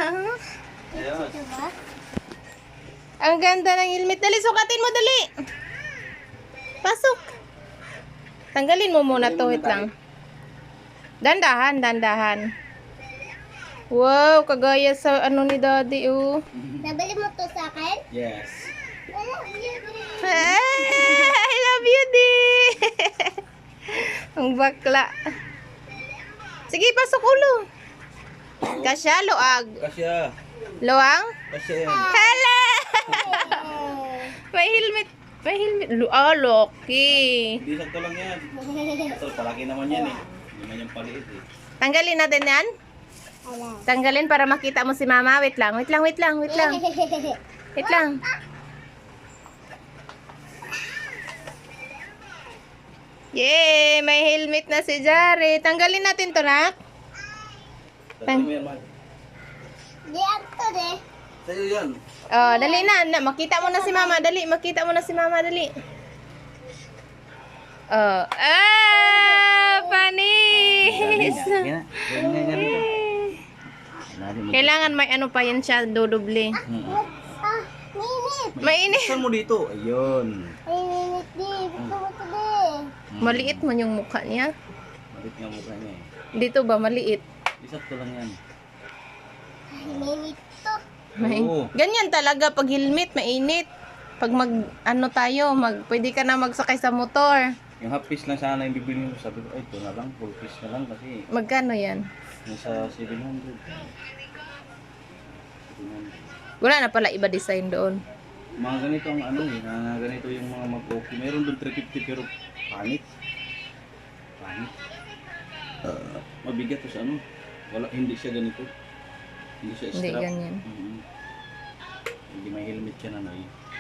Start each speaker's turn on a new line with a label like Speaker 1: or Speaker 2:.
Speaker 1: Ayun.
Speaker 2: Ang ganda ng helmet. Dali, sukatin mo, dali. Pasok. Tanggalin mo muna to, wait lang. Dandahan, dandahan. Wow, kagaya sa ano ni daddy, oh.
Speaker 3: Nabili mo to sa akin?
Speaker 1: Yes.
Speaker 2: I love you, di. Ang bakla. Sige, pasok ulo. Kasya, luag.
Speaker 1: Kasya.
Speaker 2: Luang?
Speaker 1: Kasya yan.
Speaker 2: Hala! May helmet. May helmet. Loki.
Speaker 1: Hindi sakto lang yan. Ito, palaki naman yan eh. Hindi man yung paliit eh.
Speaker 2: Tanggalin natin yan. Tanggalin para makita mo si mama. Wait lang, wait lang, wait lang, wait lang. Wait lang. Yay! May helmet na si Jare. Tanggalin natin to, nak.
Speaker 1: Tatlo mo yan, Mark.
Speaker 3: Di ato de.
Speaker 1: Sa'yo yan.
Speaker 2: Oh, dali na. Makita mo na si mama. Dali, makita mo na si mama. Dali. Oh. Panis!
Speaker 1: Yan.
Speaker 2: Kailangan may ano pa yan siya, dodoble.
Speaker 3: Ah, minit.
Speaker 2: Mainit.
Speaker 1: Saan mo dito? Ayun.
Speaker 3: Ay, minit di. Gusto mo to de.
Speaker 2: Maliit man yung mukha niya.
Speaker 1: Malit nga mukha niya eh.
Speaker 2: Dito ba maliit?
Speaker 1: Isakto lang yan.
Speaker 3: Ay, minit to.
Speaker 1: Oo.
Speaker 2: Ganyan talaga pag helmet, mainit. Pag ano tayo, pwede ka na magsakay sa motor.
Speaker 1: Yung half piece lang sana yung bibili mo. Sabi ko, ay ito na lang. Full piece na lang kasi
Speaker 2: Magkano yan?
Speaker 1: nasa 700. 700.
Speaker 2: Wala na pala iba design doon.
Speaker 1: Mga ganito ang ano eh. Mga ganito yung mga mag-okay. Meron doon 350 pero pangit. Pangit. Mabigat to sa ano. Wala, hindi siya ganito. Hindi siya
Speaker 2: Hindi
Speaker 1: strap.
Speaker 2: ganyan.
Speaker 1: Mhm. Hindi may helmet siya na no eh.